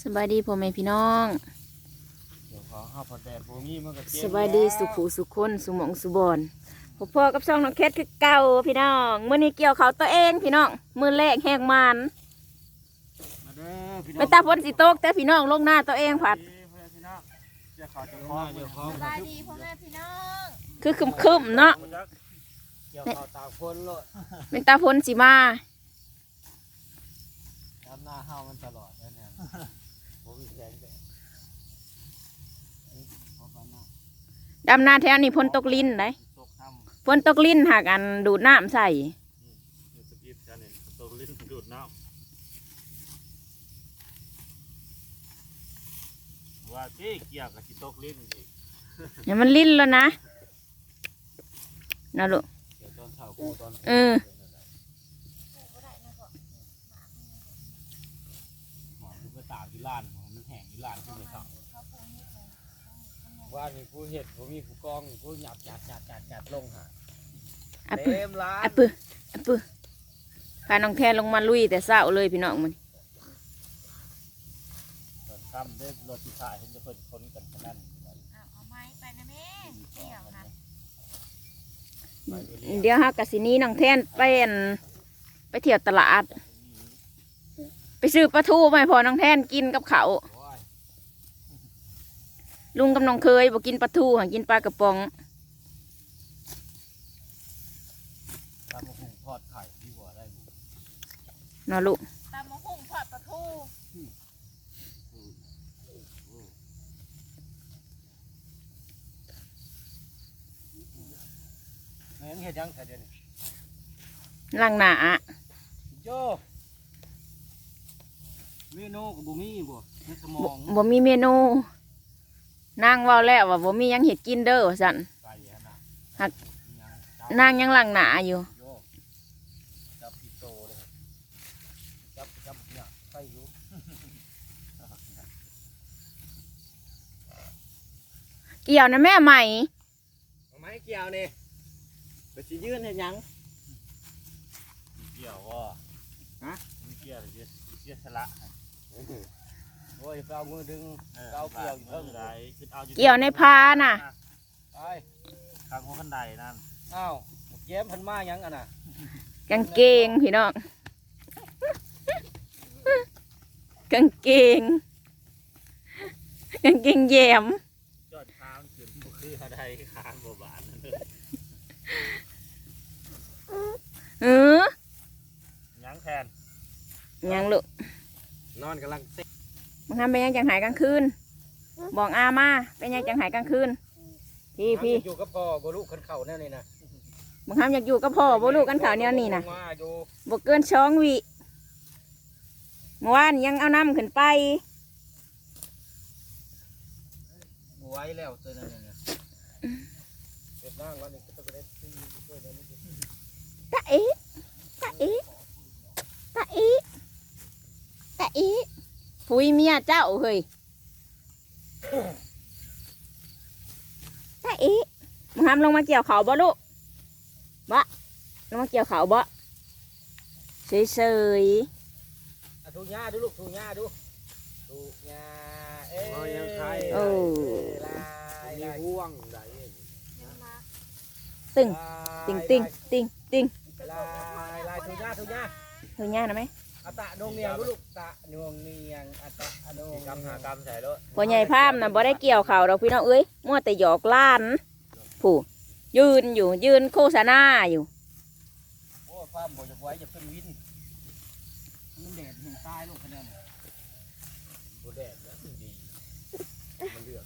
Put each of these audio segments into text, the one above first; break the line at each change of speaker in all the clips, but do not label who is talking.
สบายดีพ่อแม่พี่น้องสบายดีสุขุสุขคนสุหมองสุบอนพ่อกับช่องน้องแคทคือเก่าพี่น้องมื้อนี้เกี่ยวเขาตัวเองพี่น้องมื้อแรกแหกมันไปตาพ้นสิโต๊กแต่พี่น้องลงหน้าตัวเองผัด
สบายดีพ่อแม่พี่น้อง
คือคึมๆเนาะเป็นตาพ้นสิมา
ดำหน้าเฮามันตลอดแล้วเนี่ยผมแข็งแต่
ดำนาแถวนี้พ้นตกลิ้นได้พ้นตกลิ้นหากอันดูดน้ำใส่
ดูดน้ำว่าที่เกี่ยวกับที่ตกลิ้นอีก
เนี่ยมันลิ้นแล้วนะนะลูก
ตากที่ล้านมันแห้งที่ล้านขึ้นเลยครับว่ามีผู้เห็ดผู้มีผู้กองผู้หยัดลงหาเต็มล้าน
ปื้อพาน้องแทนลงมาลุยแต่เศร้าเลยพี่น้องมัน
ทำได้รถที่ถ่ายเห็นจะเพิ่นคนกันขนาด
เอาไม้ไปนะแม่เกี่ยวค่ะ
เดี๋ยวฮะกะสินี้น้องแทนไปเที่ยวตลาดไปซื้อปลาทูมาพอน้องแทนกินกับเขาลุงกับน้องเคยบอกกินปลาทูหากินปลากระป๋อง
ตำมะฮุ่งทอดไข่ดีกว่าได้
นอลูก
ตำมะฮุ่งทอดปลาทู
แม่งเห็ดยังแต่เดี๋ยวนี้
ล่างหนา
โยเมนูกับบุมี่บ่ในสมอง
บ่มีเมนูนางว่าแล้วว่าบ่มียังเห็ดกินเด้อสันหักนางยังล่างหนาอยู่
จับปิโตเลยจับเนี่ยไปอยู่
เกี่ยวนะแม่ใหม่
ไม้เกี่ยวนี่ไปสิยื่นเห็นยังเกี่ยวว่าฮะเกี่ยวเกี่ยวสละโอ้ยเอามือดึงเอาเกี่ยวอยู่เพิ่งได
เกี่ยวในพาน่ะ
ไปทางหัวขันไดนั่นอ้าวเย็บพันมายังอ่ะน่ะ
กางเกงพี่น้องกางเกงแยม
จอดค้างขึ้นคืออะไรค้างบบานยังแทน
ยังลูก
นอนกำลังเซ็ต
มึงทำเป็นยังจังหายกลางคืนบอกอามาเป็นยังจังหายกลางคืนพี่
อยู่กับพ่อบ่ลูกขันเข่าแน่เลยนะ
มึงทำอยากอยู่กับพ่อบ่ลูกกันข่าวเนี่ยนี่นะบ่เกิน2 วิเมื่อวานยังเอาน้ำขึ้นไป
ไว้แล้วเจอนั่นเนี่ยเก็บร่างวันนี้ก็ต้องได้ตีด้วยนะนี่
ตาอีพุยเมียเจ้าเฮ้ยตาอีมึงทำลงมาเกี่ยวเขาบ่ลูกบ่ลงมาเกี่ยวเขาบ่เฉย
ๆถูกหญ้าดูลูกถูกหญ้าดูถูกหญ้ายังใครมีห่วงไหน
ตึง
ลายถูกหญ้า
ถูกหญ้านะไหม
ตะนงเนียงลูกตะนงเนียงตะนงกำหากำใส่รถ
พ่อใหญ่พามน่ะบ่ได้เกี่ยวเขาเราพี่น้องเอ้ยมั่วแต่หยอกล้านผู้ยืนโฆษณาอยู่
โอ้พามบ่จะไว้จะเป็นวินมันแดดเห็นตายลูกคะแนนบ่แดดนะดีมันเลือก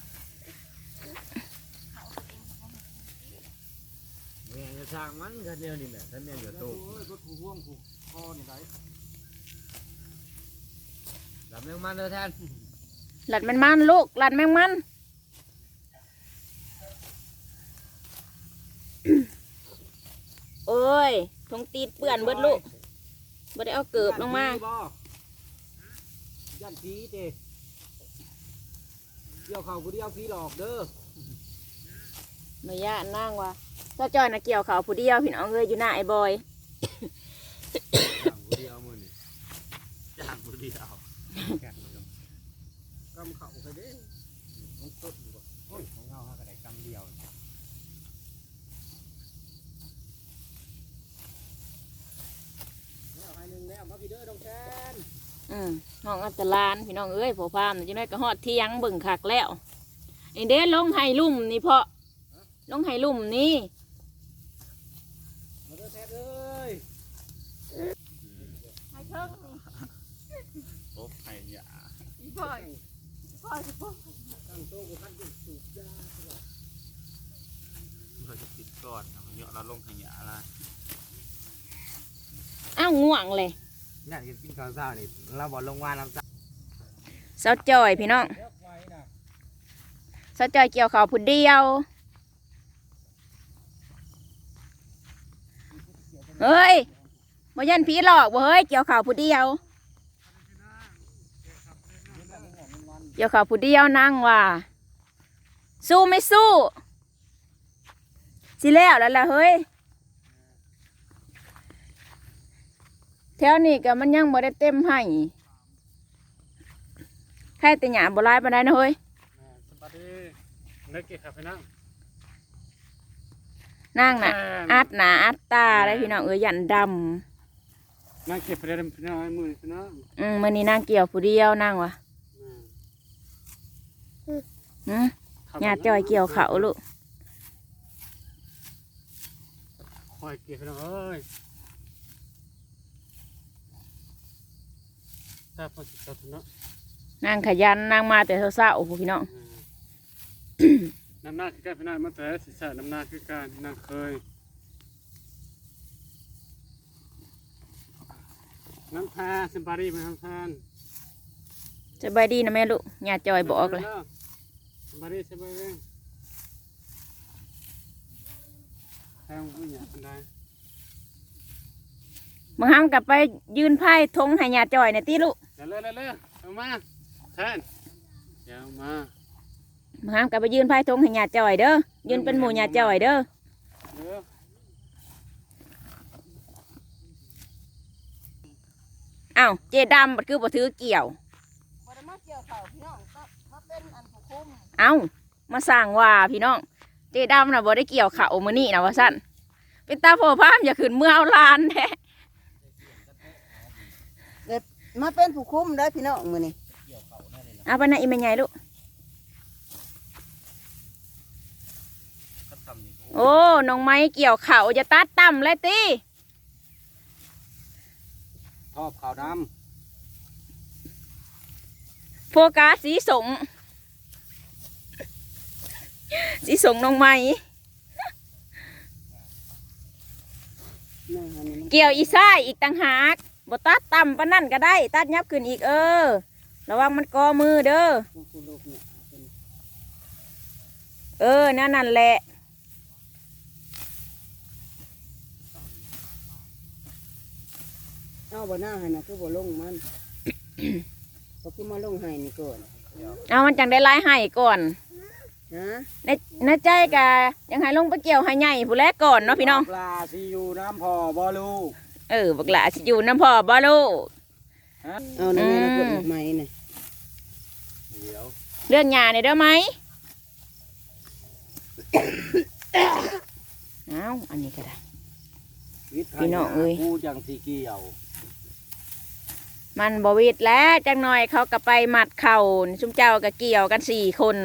แม่จะสร้างมันกันเนี่ยนี่แหละท่านแม่เดือดโตก็ถูห่วงถูคอนี่ไหนหลับแมงมันเลยแทน
หลัดมันลูกหลัดแมงมันโอ้ยทงตีดเปื่อนเบิดลูกบ่ได้เอาเกิบลงมา
ย่านผีเด้เกี่ยวเขาผู้เดียวผีหลอกเด้อ
ไม่ย่านั่งว่ะเจ้าจอยน่ะเกี่ยวเขาผู้เดียวพี่น้องเอ้ยอยู่หน้าไอ้บอย
ผู้เดียวมือนี่ย่างผู้เดียวำเข่าไปดิมันต้นอยู่บ่โอ้ยของเงาก็ได้กำเดียวแล้วให้หนึ่งแล้วมาพี่เด้อดงแกน
น้องอัตลานพี่น้องเอ้ยพอพามจังได๋ก็ฮอดเที่ยงเบิ่งคักแล้วไอ้เด้ลงไห้ลุ่มนี่เพาะลงไห้ลุ่มนี่
มาเด้อแท้เอ้ย
ให้เทิงนี่
โอ้ไข่ยา
อีพ่อยอีพ่อยสิพ่อ
ตั้งโต๊ะกูพันจุดสูบยาเราจะติดก่อนนะมันเยอะเราลงไข่ยาละ
อ้าวง่วงเลย
นี่กินข้าวเช้านี่เราบอกลงว่าน้ำตา
เซาจอยพี่น้องเซาจอยเกี่ยวข้าวผู้เดียวเฮ้ยบ่ยันผีหลอกบ่เฮ้ยเกี่ยวข้าวผู้เดียวเกี่ยวข้าวผู้เดียวนั่งว่าสู้ไม่สู้สิแล้วล่ะเฮ้ยแถวนี้ก็มันยังบ่ได้เต็มให้แค่แต่หยาบ่ร้ายปานใดนะเฮ้ย
สวัสดีนึกเก็บครับพี่น้อง
นั่งน่ะอัดหนาอัดตาได้พี่น้องเอ้ยยันด
นั่งเก็บไปได้พี่น้องมือพี่น้อง
ำมื้อนี้นั่งเกี่ยวผู้เดียวนั่งวะญาติจอยเกี่ยวเขาลูก
คอยเก็บพี่น้องเอ้ยถ้าพอจิตตเนาะ
นั่งขยันนั่งมาแต่เช้าๆพี่น้อง
น้ำหน้าคือการพี่น้องมาแต่ศีรษะน้ำหน้าคือการนั่งเคยน้ำพาสบายดีไหมน้ำพาน
สบายดีนะแม่ลูกญาติจอยบอกเลย
สบายดีสบายดีแทงผู้ใหญ่คนใด
บางครั้งกลับไปยืนไพ่ทงให้ญาติจอยในตีลูก
เร็วเร็วเอามาแทนเดี๋ยวมา
บางครั้งกลับไปยืนไพ่ทงให้ญาติจอยเด้อยืนเป็นหมู่ญาติจอยเด้อ
เร็ว
อ้าวเจดำบัดคือบ่ถือเกี่ยว
บ่ได้มาเกี่ยวเขาพี่น้องก็มาเป็นอันผู้คุม
เอ้ามาสร้างว่าพี่น้องเจดำน่ะบ่ได้เกี่ยวเขามื้อนี้นะว่าซั่นเป็นตาโผพามอย่าขึ้นเมื่อเอาลานแท้
มาเป็นผู้คุมได้อพี่น้องมื้อนี้
เอาไปนะอีแม่ใหญ่ลูก
ก็ทำนี่
โอ้น้องไม้เกี่ยวเขาจะตัดต่ำเลยติ
ทอบขาวด
โฟกัสสีสงสีสงน้องไม้
นั่นอันนี้มัน
เกี่ยวอีซ้ายอีกต่างหากบ่ตัดต่ำปานนั่นก็ได้ ตัดยับขึ้นอีกระวังมันกอมือเด้อ
คุณลูกเนี่ยเป็น
นั่นแหละ
เอาบ่หน้าให้นะคือบ่ลงมัน ก็คือมาลงให้นี่ก่อน
เอามันจังได้ไล่ให้ก่อน
ฮะ
ในใจกะยังให้ลงไปเกี่ยวให้ใหญ่ผู้แรกก่อนเนาะพี่น้อง
ปลาซีอยู่น้ำพอบอลูก
บักหลาสิอยู่น้ำพ่อบ่ลูก
เอาในแม่นะกดดอกไม้น่ะ
เดี๋ยว
เรื่องหญ้าเนี่ยเด้อไหม เอาอันนี้ก็ได้ พี่น้องเอ้ย
กูจังสีเกี่ยว
มันบวิดแล้วจังหน่อยเขาก็ไปมัดเข่าชุมเจ้าก็เกี่ยวกัน4 คน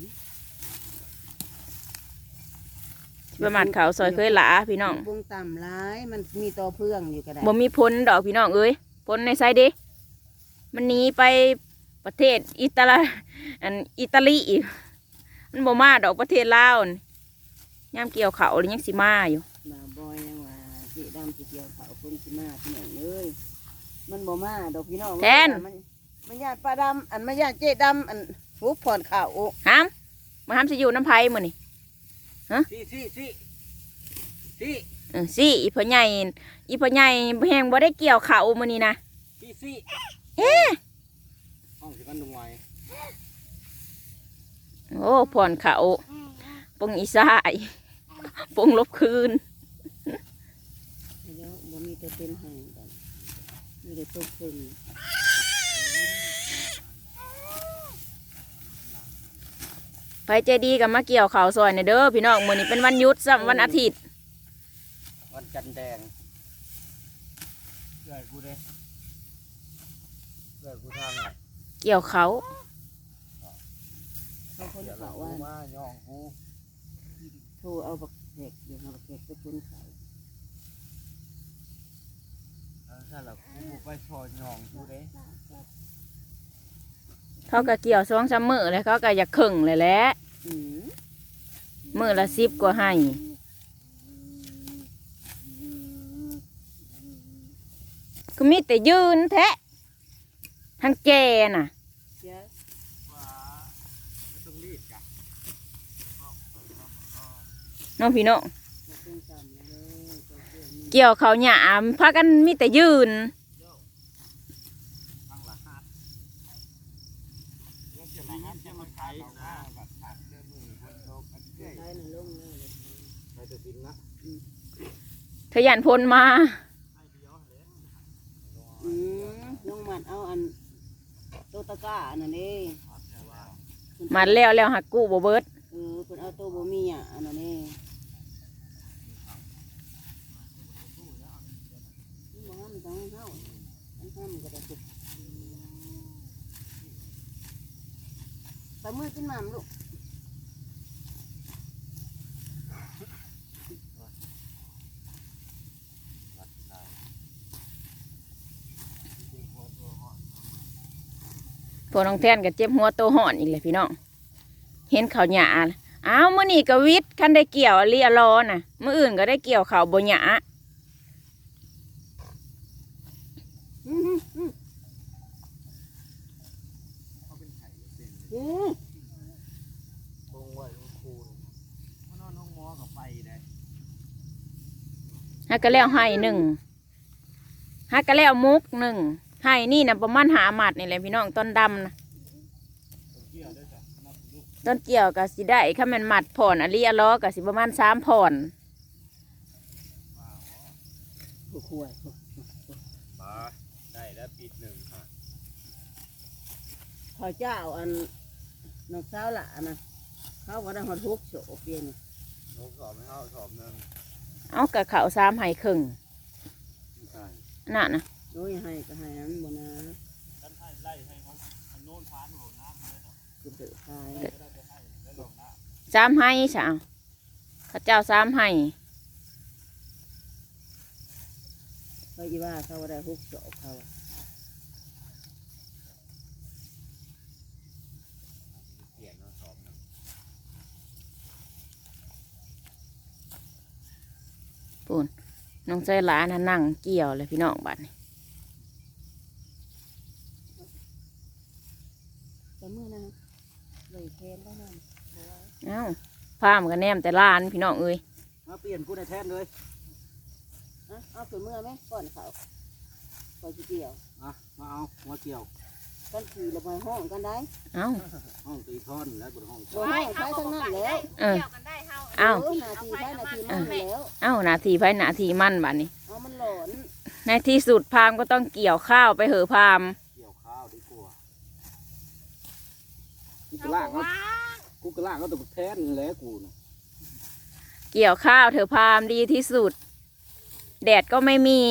ไปมัดเข่าซอยเคยหลาพี่น้อง
วงต่ำร้ายมันมีต่อเพื่องอยู่ก็ได้
บ่มีพ้นดอกพี่น้องเอ้ยพ้นในไซเด้มันหนีไปประเทศอิตาลีอีกมันบ่มาดอกประเทศลาวนี่ย่ามเกี่ยวเขาหรือยังสิมาอยู่
บ่าวบอยยังว่าสิดำสิเกี่ยวเขาคนสิมาพี่น้องเอ้ยมันบ่มาดอกพี่น้องมันญาติป้าดำอันมันญาติเจ๊ดำอันหุบผ่อนข้าว
ห้ามมาห้ามสิอยู่น้ำไผ่มื้อนี่ สิอีพ่อใหญ่แฮงบ่ได้เกี่ยวเขามื้อนี้นะ
ห้องสิกันดุงไว้
โอ้ผ่อนเขาปงอีสายปงลบคืน
แล้วบ่มีแต่เป็นแห้งกันมีแต่ตกเป็น
ไปใจดีกับมาเกี่ยวข้าวซอยในเด้อพี่น้องมื้อนี้เป็นวันหยุดซ้ำวันอาทิตย์
วันจันทร์แดงเกิดกูเด้เกิดกูทางอ่ะ
เกี่ยวเขา
เขาคน
เดี๋ยว
เขา
เรา
ว่า
มาย่องกู
โทรเอาบักแขกอยู่หาบักแขกไปคนเขา
ถ้าเรากูไปชอยย่องกูเด้
เขาก็เกี่ยว2-3 มื้อแล้วเขาก็อยากครึ่งเลยแหละ
อืม
มื้อละ10กว่าให้ก็มีแต่ยืนแท้ทางแจน่ะ
เสีย
ว่าไม่ต้องรีบจ้ะ
น้องพี่น้อง
มาเป็นซ้ำเลยตัวเพื่อนนี่
เกี่ยวเขาวหยามพากันมีแต่ยืน
ทางละหัดเรื่องจะละหัดจะมาขายนะแบบหัดเรื่องมือคนโตกันเรื่อย
ใช้ในลงเลย
ไปตัวกินนะ
ทะยานพลมา
ให้เดียวเลย
อืมลงมัดเอาอันโตตะกร้าอันนั้นเด้
มาแล้วหักกู้บ่เบิด
เเพิ่นเอาโตบ่มีอ่ะอันนั้นเด้บ่ห้ามจังเฮาอันห้ามก็ได้สุดไปมือกินหม่ำลูก
พวกน้องแทนก็เจ็บหัวโตห่อนอีกเลยพี่น้อง เห็นเขาวหยาอ้าวมื้อนี้ก็วิทย์คันได้เกี่ยวเลียรอน่ะมื้ออื่นก็ได้เกี่ยวเขาวบ่หยา
อืมอืม
เขาเป็นไข่เป็น
อืม
บงไว้ลงคูนมันนอนห้องหมอกับไปได้
ฮักก็แล้วให้หนึ่งฮักก็แล้วมุกหนึ่งให้นี่น่ะประมาณ5 หมัดนี่แหละพี่น้องต้นดำนะ
เกี่ยวด้วยจ้ะนับลูก
ต้นเกี่ยวก็สิได้ถ้ามันหมัดผ่อนอลีอล้อก็สิประมาณ3 ผ่อน
ผู้ขวย
มาได้แล้วปีหนึ่งค่ะ
พอเจ้าอันนกสาวละนะเขาก็ได้หอดทุกโฉบเปลี่ยน
ลูกสอบไม่เข้าสอบหนึ่ง
เอากะเขา3ให้ครึ่ง
ไม่ใช่
นั่นนะ
โอ้ยให้ก็ให้นั้นบ่นะ
ท่านให้ไล่ให้เขาอันโน้นพานหัวน้ำเลยเนาะ
คือเดือดทาย
ก็ได้จะให้ได้ลงน้ำ
3ให้สาวข้าเจ้า3ให้
เขาอีว่าเขาก็ได้ทุกโฉบเขา
เปลี่ยนเนาะสอบหนึ่ง
ปูนน้องใจหลานน่ะนั่งเกี่ยวเลยพี่น้องบัดนี้
แต่เมื่อนะเลยแคนได้นั่น
เอ้าพามกันแนมแต่ลานพี่น้องเอ้ย
มาเปลี่ยนกูในแทนเลย
เอาถึงเมื่อไหมก่อนเขาก่อนสิเกี่ยว
อ่ะมาเอาหัวเกี่ยว
กันขี่ระบายห้องกันได้
เอ้า
ห้องตีท่อนแล้วบนห้อง
บ่ห้องใช้ทั้งนั้นแล้ว
เออ
เกี่ยวกันได้เฮา
เอ้า
นาทีใช้นาทีมันแล้ว
เอ้านาทีไผนาทีมั่นบัดนี้
เอามันหลอน
ในที่สุดพามก็ต้องเกี่ยวข้าวไปเหอะพาม
เกี่ยวข้าวดีกว่ากูก
เฮา
ระล่าง
บอก
เขา
ว่า
กูกระล่างเขาตัวแทนแล้วกูนะ
เกี่ยวข้าวเถอะพามดีที่สุด แดดก็ไม่มี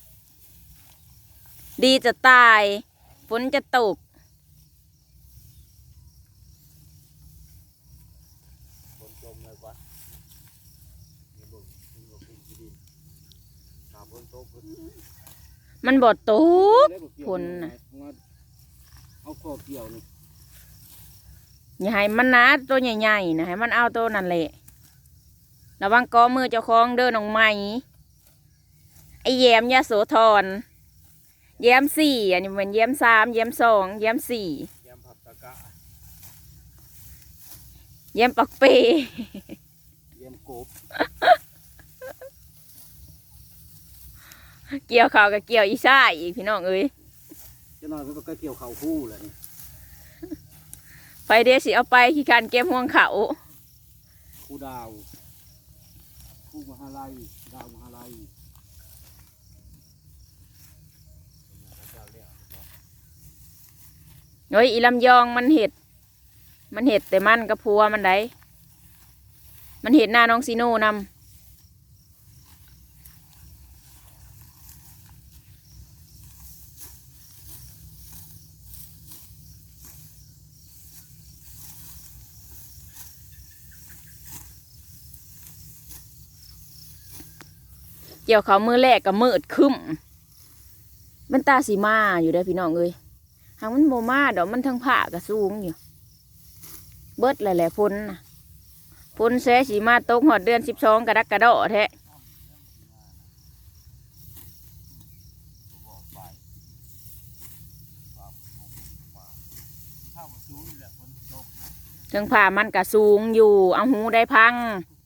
ดีจะตายฝนจะตก
คนจมเลยกว่านี่บุกนี่บุกกินดินขาบนโต๊ะ
มันบดตก คนน่ะ
เอาข้อเกี่ยวนี่
อย่าให้มันนะตัวใหญ่ๆนะให้มันเอาตัวนั่นแหละระวังกอมือเจ้าของเดินออกใหม่ไอแยมยาโสธรแยม4อันนี้มันแยม3แยม2แยม4
ยำผักตะกะ
แยมปักเป
ยำกบ
เกี่ยวข้าวกับเกี่ยวอีซ่าอีกพี่น้องเอ้ย
จะนอนก็เกี่ยวเข่าคู่เลยนี่
ไฟเดสิเอาไปขี้การเก็บห่วงเขา
คู่ดาวคู่มหาลัยดาวมหาลัย
โอ้ยอีลำยองมันเห็ดมันเห็ดแต่มันกับพัวมันได้มันเห็ดหน้าน้องซีโน่นำเกี่ยวเขามือแรกกับมืดคึมมันตาสีมาอยู่ได้อพี่น้องเอ้ยหางมันโมมาดอกมันทั้งผ้ากระสูงอยู่เบิดหลายๆพ้นนะพ้นแสสีมาตกหอดเดือน12กระดักกระดอแท้ถึงผ้ามันกระสูงอยู่เอาหูได้พัง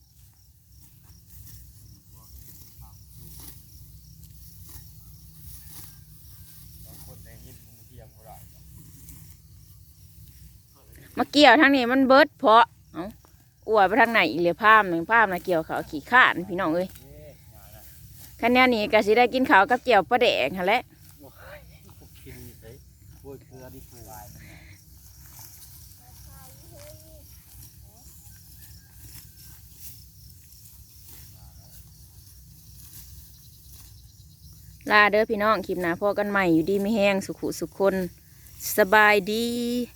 มาเกี่ยวทางนี้มันเบิดเพาะเอาอวดไปทางไหนอีกเลยภาพหนึ่งภาพนะเกี่ยวเขาขี่ข้านพี่น้องเอ้ยคันแนวนี้ก็สิได้กินข้าวกับเกี่ยวปลาแดกหั่นแหละลาเด้อพี่น้องคลิปหน้าพอกันใหม่อยู่ดีไม่แห้งสุขุสุขคนสบายดี